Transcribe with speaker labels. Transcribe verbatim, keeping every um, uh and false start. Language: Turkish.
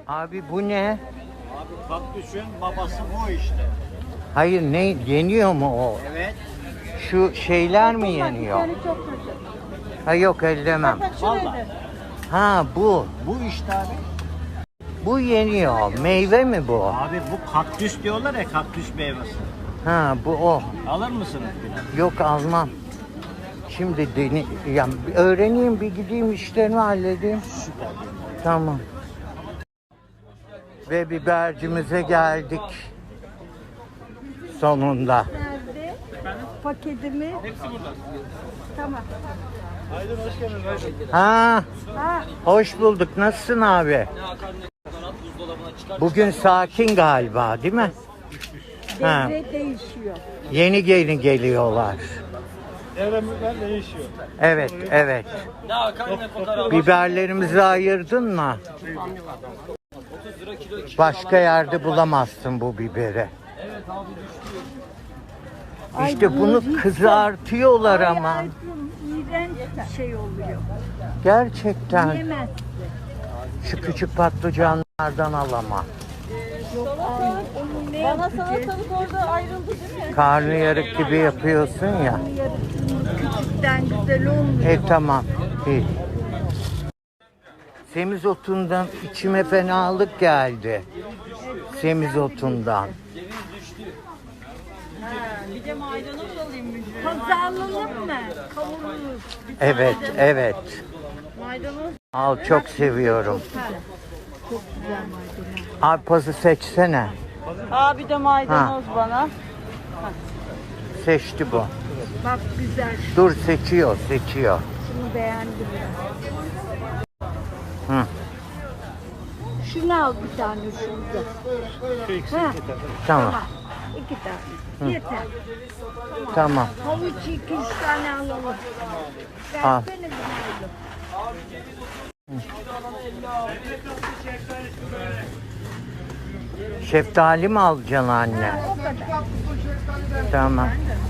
Speaker 1: Abi bu ne?
Speaker 2: Abi kaktüsün babası bu işte.
Speaker 1: Hayır, ne yeniyor mu o?
Speaker 2: Evet.
Speaker 1: Şu şeyler mi yeniyor? Ha yok, ellemem.
Speaker 2: Vallahi.
Speaker 1: Ha bu.
Speaker 2: Bu işte abi.
Speaker 1: Bu yeniyor. Meyve mi bu?
Speaker 2: Abi bu kaktüs diyorlar ya, kaktüs meyvesi.
Speaker 1: Ha bu o.
Speaker 2: Alır mısınız biraz?
Speaker 1: Yok, almam. Şimdi deni ya öğreneyim, bir gideyim işlerimi halledeyim.
Speaker 2: Süper.
Speaker 1: Tamam. Ve bibercimize geldik. Sonunda.
Speaker 3: Nerede? Paketimi. Hepsi burada. Tamam.
Speaker 2: Aydın hoş geldin.
Speaker 1: Ha,
Speaker 3: Ha,
Speaker 1: hoş bulduk. Nasılsın abi? Bugün sakin galiba, değil mi? Ha.
Speaker 3: devre değişiyor.
Speaker 1: Yeni gelin geliyorlar.
Speaker 2: Devremler değişiyor.
Speaker 1: Evet, evet. Biberlerimizi ayırdın mı? Başka yerde bulamazsın bu biberi. İşte bunu kızartıyorlar ama.
Speaker 3: Ay, ay, iğrenç bir şey oluyor.
Speaker 1: Gerçekten.
Speaker 3: Yemez.
Speaker 1: Şu küçük patlıcanlardan al ama.
Speaker 3: Yok ay, onu ne
Speaker 4: Bana
Speaker 3: yapacağız?
Speaker 4: salatalık orada ayrıldı değil mi?
Speaker 1: Karnıyarık gibi yapıyorsun ya.
Speaker 3: Yarısının küçükten güzel olmuyor.
Speaker 1: E tamam. İyi. Semizotundan içime fenalık geldi. Semizotundan.
Speaker 4: Bir de maydanoz alayım mı?
Speaker 3: Pazarlanır mı? Kavururuz.
Speaker 1: Evet, evet.
Speaker 4: Maydanoz.
Speaker 1: Al, çok seviyorum.
Speaker 3: Çok güzel maydanoz.
Speaker 1: Arpası seçsene.
Speaker 4: Aa bir de maydanoz bana.
Speaker 1: Seçti bu.
Speaker 3: Bak güzel.
Speaker 1: Dur, seçiyor, seçiyor.
Speaker 3: Şunu beğendim ya.
Speaker 1: Hı.
Speaker 3: Şunu al bir tane şurada. Ha,
Speaker 1: Tamam,
Speaker 3: tamam. İki tane. Yeter.
Speaker 1: tamam.
Speaker 3: Havuç iki üç tane alalım.
Speaker 1: Al.
Speaker 3: Versene bir oğlum.
Speaker 1: Şeftali mi alacaksın anne?
Speaker 3: O kadar.
Speaker 1: Tamam.